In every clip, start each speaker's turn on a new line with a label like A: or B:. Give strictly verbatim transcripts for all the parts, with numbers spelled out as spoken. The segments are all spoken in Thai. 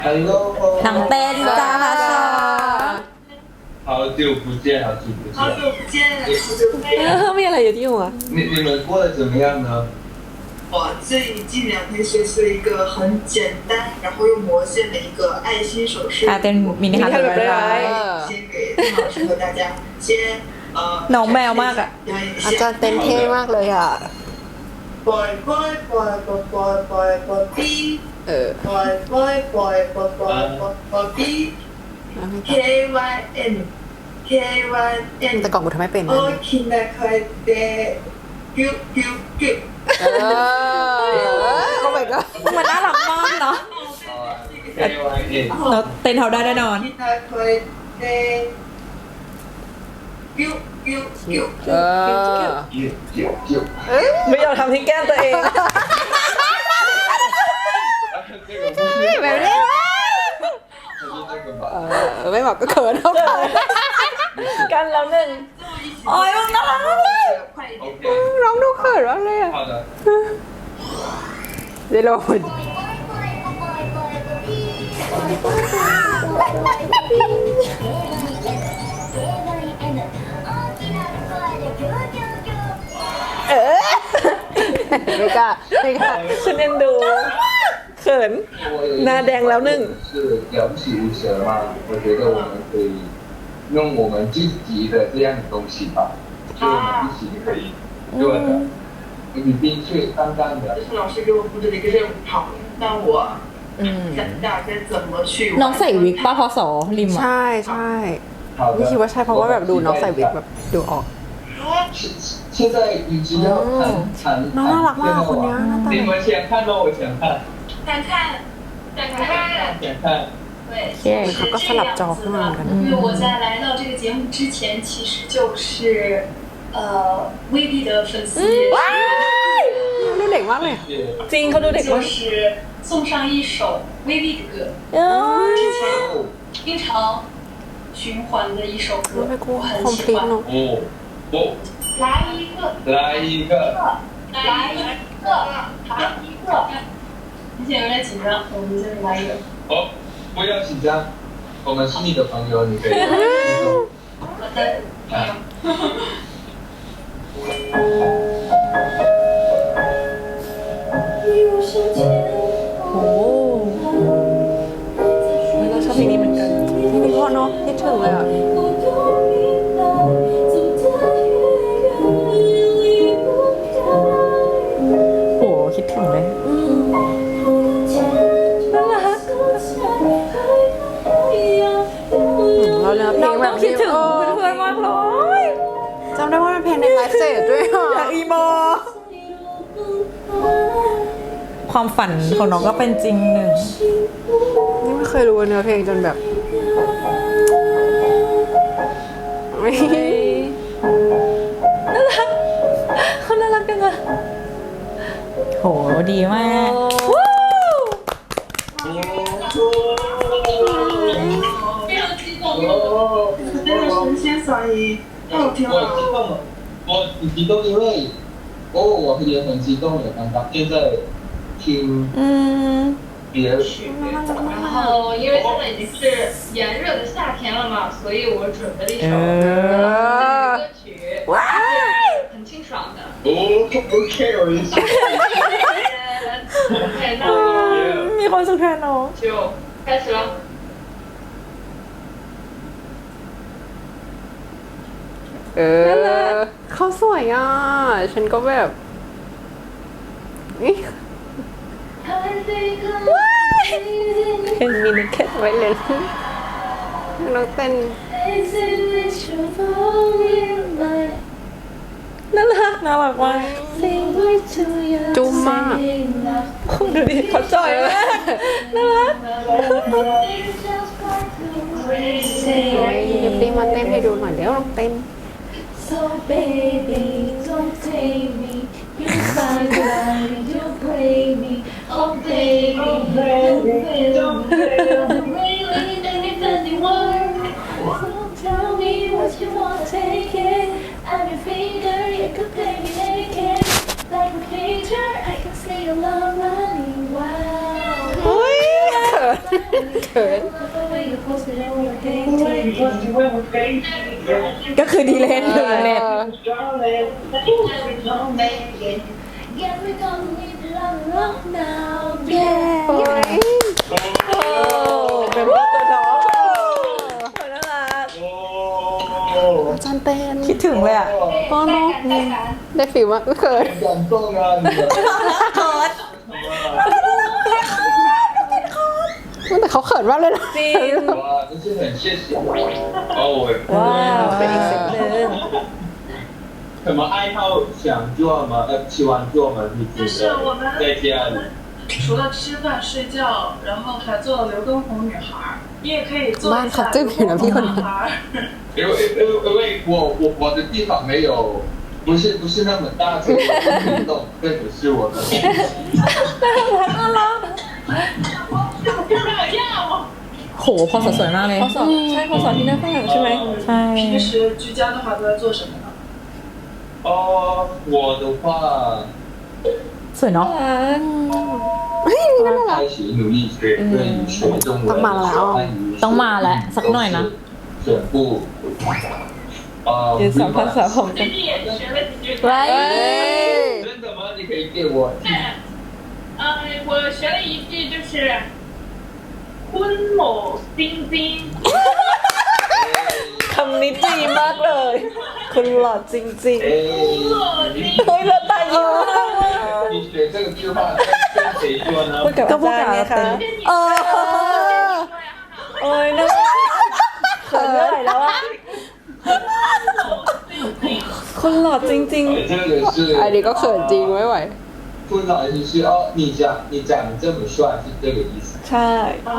A: หนังเต้นจ้าค่ะ
B: 好久不见，好久不见。
C: 好久不见，好久不见。
A: มีอะไรอยู่ที่หัว
B: 你你们过得怎么样呢？
C: 我最近两天学习了一个很简单，然后又魔线的一个爱心手势。
A: อ่าเต้นมินิฮาร์ดแบบร้าย
C: 先给邓老师和大家先呃。
A: น้องแมวมากอ่ะ
D: อาจารย์เต้นเท่มากเลยอ่ะ
C: boy boy boy boy boy boy boy b
D: เออ
C: boy boy boy boy boy boy boy b k y n k y n
D: แต่ก่อนกูทำไม่เป็นนะ
C: โอ้คินนะคอยเดกิ้วกิ้วกิ้ว
D: เออโอ้ my god
A: มันน่ารักมากเนาะเราเต้นเขาได้แน่นอน
C: คินนะคอยเดกิ้วกิ้วกิ้ว
D: เออ
A: ไม่ยอมทำที่แก้มตัวเอง
D: แบบนี้เออไม่บอกก็เขินเท่ากัน
A: กันแล้วหนึ่งโอ้ยมึงน่ารักมากเลย
D: ร้องดูเขินมากเลยอ่ะเดโลนเออไม่กล้าไม่กล้า
A: ฉันเอ็นดูเขินหน้าแดงแล้วหนึ่ง
B: 是了不起无蛇嘛？我觉得我们可以用我们自己的这样的东西吧，就我们一起可以做的。你冰脆淡淡的。
C: 这是老师给我布置的一个任务，好，那我想大家怎么去。
A: น้องใส่วิกป้าพอสอริมอ่ะ
D: ใช่ใช่ไม่คิดว่าใช่เพราะว่าแบบดูน้องใส่วิกแบบดูออก
B: 现在你知道弹弹
D: น้องน่ารักมากคนนี้หน้าตา
B: 你们先看咯，我先看。
C: 想看，想看，
B: 先看。
C: 对，
D: เขาก็สลับจอขึ้นมาเหมือนกัน
C: 因为我在来到这个节目之前，其实就是呃 V B 的粉丝也是。
D: ดูเด็กมากเลย
A: จริงเขาดูเด็ก
C: 就
A: มาก
C: 是送上一首 V B 的歌，之前经常循环的一首歌，我很喜欢。
B: 哦哦，
C: 来一个，
B: 来一个，
C: 来一个，来一个。你现在有点紧张，我们就是来一个。
B: 哦，不要紧张，我们是你的朋友，你可以。
C: 好的。啊。
A: โอ้เราชอบเพลงนี้เหมือนกัน
D: เพลงนี้เพราะเนาะคิดถึงเลยอ่ะ
A: โหคิดถึงเลยน่ารัก
D: เราเนื้อเพลงแบบ
A: คิดถึงเพื่อนๆมากเลย
D: จำได้ว่าเป็นเพลงในไลฟ์เซตด้วยอ่ะ
A: อยากอีโมความฝันของน้องก็เป็นจริงหนึ่ง
D: นี่ไม่เคยรู้เนื้อเพลงจนแบบ
A: น่ารักเขาน่ารักจังอะโหดีมาก
C: 非常激动，真的是先所以太好听
B: 我
C: 了。
B: 激动了，我很激动，因为哦，我也很激动的，刚刚现在听
A: 嗯
B: 别的曲。
E: 然后因为现在已经是炎热的夏天了嘛，所以我准备了一首歌曲，很清爽的。
B: 哦，OK，我一起。
E: OK，那
A: มีคนสุดแทนน้อง
E: 就开始了。
D: เออเขาสวยอ่ะฉันก็แบบนี่
A: เพลงมินิแคทไว้เลย
D: น้องเต้น
A: น่ารักน่ารักมาก
D: จุ้มมาก
A: คุณดูดิเขาจ่อยมากน่ารัก
D: เดี๋ยวปีมาเต้นให้ดูหน่อยเดี๋ยวลองเต้น
F: So baby, don't take me. You find out you play me. Oh baby, don't play me. Don't really need any word. So tell me what you want, take it. I'm your finger, you could play me naked. Like a picture, I can see your love running wild.
D: เขิน
A: ก็คือดีเลนหนึ่งเน็ต
F: Yeah, we're gonna need love, love now. Yeah.
D: โอ้ย
A: โอ้เป็นว่าตัวน้องน่ารัก
D: จันเต้น
A: คิดถึงเลยอ่ะ
D: พ่อน้องได้ฟิลมากเขิน
B: 很感动啊，你的。
A: เขิน
D: แต่เขาเขินมากเลยนะ
A: จริง
B: 哇，真是很谢谢。哦，我
A: ว้าวเป็นอีกสิ่งหนึ่ง
B: 什么爱好想做吗？呃，喜欢做吗？你觉
C: 就是我们
B: 得在家里？
C: 除了吃饭睡觉，然后还做了刘畊宏女孩儿，你也可以做一下刘畊宏男孩儿。
B: 因为因为因为我我我的地方没有，不是不是那么大，所以我不运动，这只是我的。
A: โหพอสสวยมากเลยพอสอใช่พอสอที่หน้าข้างหลังใช่ไหมใช่
C: 平时居家的话都在做什么呢？
B: 哦，我的话，
A: สวยเนาะ
B: 开始努力学对语学中文，和汉语。
A: ต้องมาแล้วสักหน่อยนะ
B: 全部。呃，
A: ยืนสามภาษาผมกัน
E: 最近也学了几句。
A: ไว้
B: 真的吗？你可以给我。
E: 呃，我学了一句就是“坤某丁丁
A: คำนี้ดีมากเลยคุณหล่อจริง
B: 哎，
A: ๆเฮ้ยเราตายเยอะ
B: 你学这个句话跟跟谁说呢？
A: พูดกับอาจารย์ไงคะเออโอ้ยน่าเขินเมื่อไหร่แล้วอะคุณหล่อจริง
B: 哎这个是
D: อันนี้ก็เขินจริงไม่ไหว
B: 不好意思是哦，你讲你讲的这么帅是这个意思。
A: ๆ ใช่
E: 哦，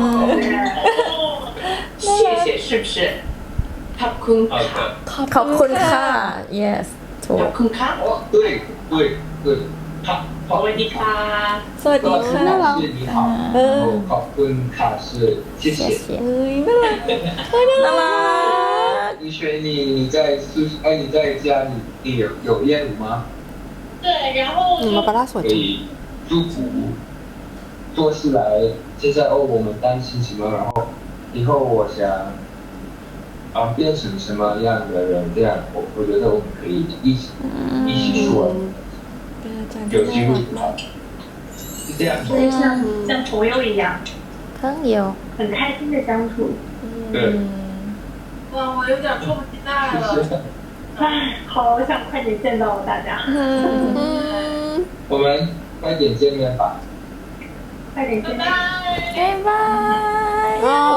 E: 谢谢，是不是？ขอบคุณ
B: 好的。
A: ขอบคุณค่ะ yes ถู
E: ข
A: ก
E: อบคุณค่ะ
B: 哦，对对对，好，
E: สวัสดีค่ะ
A: สวัสดี
B: 老师
A: ค่ะ
B: 老师你好，然后考分卡是谢谢。
A: เฮ้ยน่ารักเฮ้ยน่ารัก
B: 你学你你在宿哎你在家你你有有练舞吗？
E: 对，然后
D: มาปาร่าสวย
B: 可
D: จริง
B: 以祝福做事来，现在哦我们担心什么，然后以后我想啊变成什么样的人，这样我我觉得我们可以一起一起说，
A: เป็นอาจารย์
B: 有
A: ที่
B: 机
A: น่า
B: 会
A: รักมาก
B: 是这样。
E: 所以像像朋友一样，
A: ครั้งเดียว
E: 很开心的相处。
B: 对，
C: 哇，我有点迫不及待了。
E: 唉，好想快点见到大家，
B: 我们快点见面吧。
E: 快点见面。
A: บ๊ายบาย
D: อ๋อ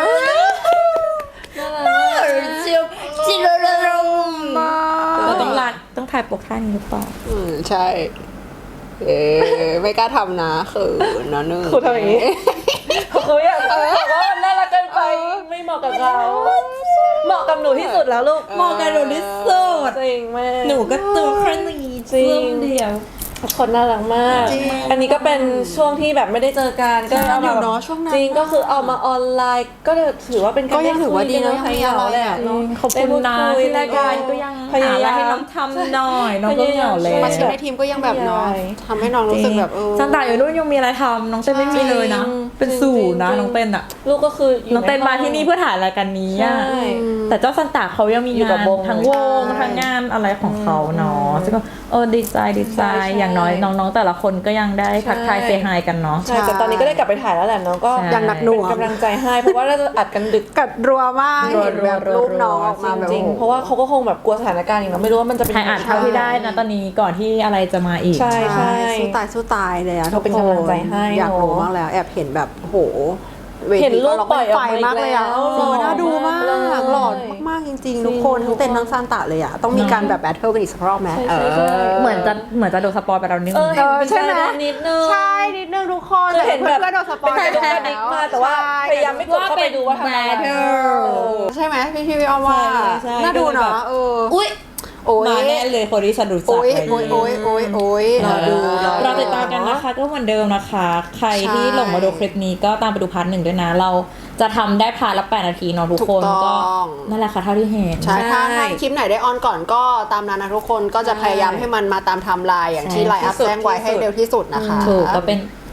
A: จิโรโรโรเราต้องรัดต้องถ่ายปกท่านี้หรือเปล่า
D: อืมใช่ เออไม่กล้าทำนะเขินนะเนอะ
A: ครูทำอย่างนี้ เขาอยากบอกว่ามันน่ารักเกินไปไม่เหมาะกับเขาเหมาะกับหนูที่สุดแล้วลูก
G: เหมาะกับหนูที่สุด
A: จริงแม่
G: หนูก็ตัวแค่นี้
A: จริง
G: เดียว
A: ทุกคนน่ารักมาก
G: จริง
A: อันนี้ก็เป็นช่วงที่แบบไม่ได้เจอกันก็
G: นานอยู่
A: แบบ
G: เนอะช่วงนั้น
A: จริงก็คือเอามาออนไลน์ ก็ถือว่าเป็น
D: ก็ยังถือว่าดีนะ
A: ได้คุย
D: ยังมีอะไร
A: แหละ
D: อ่ะ
A: เนาะ
G: ขอบคุณนะ
A: ได้พูดคุย
G: ที่รายการก็ยัง
A: พยายาม
G: หให้น้องทำหน่อยน้องก็เหงาเลย
D: มาชิมในทีมก็ยังแบบเนาะทำให้น้องรู้สึกแบบเออ
G: จันตาอยู่นู่นยังมีอะไรทำน้องเต้นไม่มีเลยนะ เป็นศูนย์นะน้องเต้นอะ
A: ลูกก็คืออยู่
G: น้องเต้นมาที่นี่เพื่อถ่ายรายการนี้อะ
A: ใช่
G: แต่เจ้าซันตาเขายังมี
A: อยู่กั
G: งา
A: บ
G: น
A: วง
G: ทั้งวง
A: ใช่
G: ทั้งงานอะไรของเขาเนาะซึ่งก็เออดีใจดีใจ
A: ใช่ใช่
G: อย่างน้อยน้องๆแต่ละคนก็ยังได้ทักทาย
A: ใช่
G: เซฮายกันเนาะ
A: ใช่แต่ตอนนี้ก็ได้กลับไปถ่ายแล้วแหละน้องก็
G: ใช่
D: ยังหนักหน่วง
A: เป็นกำลังใจให้เพราะว่าเราจะอัดกันดึก
D: กัดรัวมาก
G: รัว
D: เห็นแบบ
G: รัว
D: รูปน้อง
G: รัว
D: ออกมาแบบ
A: จริง
D: โอ้
A: ๆ
D: โห
A: เพราะว่าเขาก็คงแบบกลัวสถานการณ์อย่างเราไม่รู้ว่ามันจะเป็น
G: ใครอ่านเท่าที่ได้นะตอนนี้ก่อนที่อะไรจะมาอีก
A: ใช่
D: ใช่สู้ตายสู้ตายเลยอะทุก
A: เป็น
D: คน
A: กำลังใจให้
D: อยากรู้
A: เนอะ
D: มากแล้วแอบเห็นแบบโอ้โหวที
A: เห็นรูป
D: ก็
A: ปล่อยออก
D: ไฟ
A: มาอีก
D: มากเลยอะ
A: แล้ว
D: เออน่าดูมาก
A: หล่อมาก
D: หล่อมากๆจริงๆ ทุกคน
A: จริง
D: ทั้งเต้นทั้งซานตะเลยอะต้องมีการแบบแบทเทิลกันอีกสักรอบไหม
A: ใช่
D: เอ
A: ใช่ใช่
D: อ
G: เหมือนจะเหมือนจะโดนสปอยไปแล้วนิด
A: เอ
G: นึ
A: อง เห็น
D: ใช่ไหม
A: นิดนึง
D: ใช่นิดนึงทุกคน
A: คือเห็นแบบ
D: เพื่อนๆโดนสปอย
A: เป็นการดิกมาแต่ว่าพยายามไม่กดเข้าไปดูว่าทำอะไร
G: ว่าเป็น
A: เออ
D: ใช่ไหมพี่พี่พี่อ้อมว่า
A: ใช่ใช่
D: น่าดูเนาะเออ
G: อุ้ย
D: โอ้ย
G: มาแน่เลยคนที่ฉันรู้จัก
D: โอ้ย
G: เลย
D: โอ้ยโอ้ยโอ้ยโอ้ย
G: รอดู
D: รอ
G: เราติดตามกันนะคะก็เหมือนเดิมนะคะ ใครที่หลงมาดูคลิปนี้ก็ตามไปดูพาร์ทหนึ่งด้วยนะ เราจะทำได้พาร์ทละแปดนาทีเนาะทุกคน
D: ถูกต้
G: ก็
D: อง
G: นั่นแหละค่ะเท่าที่เห็น
D: ใช่ถ้าถ้าคลิปไหนได้ออนก่อนก็ตามนั้นนะทุกคนก็จะพยายามให้มันมาตามไทม์ไลน์อย่างที่ไลน์อัพแจ้งไว้ให้เร็วที่สุดนะคะ
G: ถูกก็เป็น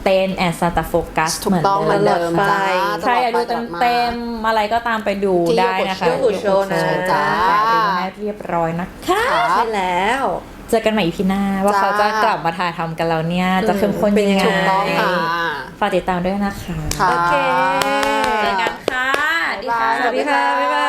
G: เต้นแอนซานตาโฟกัส
D: ถูกต้องเหมือนเดิมจ้า
G: ใครอยากดูเต็มๆอะไรก็ตามไปดูได้นะคะ
A: โยกุโชนะ
G: จ้าดูให้เรียบร้อยนะคะ
A: ใช่แล้ว
G: เจอกันใหม่อีพีหน้าว่าเขาจะกลับมาถ่ายทำกันแล้วเนี่ยจะเข้มข้นยังไง
D: ถูกต้องค่ะ
G: ฝากติดตามด้วยนะคะ
D: ค่ะ
A: โอเค
G: เจอกันค่ะ
D: บ๊ายบาย
A: สวัสดีค่ะ บ๊ายบาย